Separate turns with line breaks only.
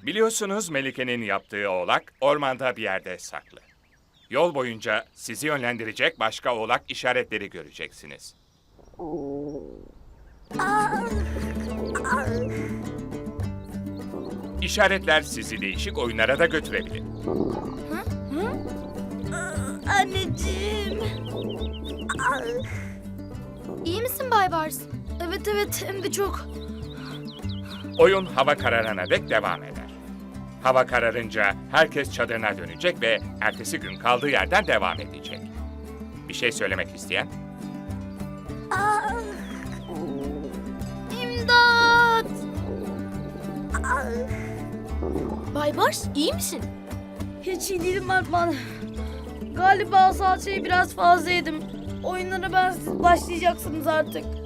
Biliyorsunuz Melike'nin yaptığı oğlak ormanda bir yerde saklı. Yol boyunca sizi yönlendirecek başka oğlak işaretleri göreceksiniz. İşaretler sizi değişik oyunlara da götürebilir.
Anneciğim.
İyi misin Bay Bars?
Evet hem de çok.
Oyun hava kararana dek devam eder. Hava kararınca herkes çadırına dönecek ve ertesi gün kaldığı yerden devam edecek. Bir şey söylemek isteyen?
İmdat.
Bay Bars iyi misin?
Hiç iyi değilim Alpman. Galiba salçayı biraz fazla yedim. Oyunlara ben siz başlayacaksınız artık.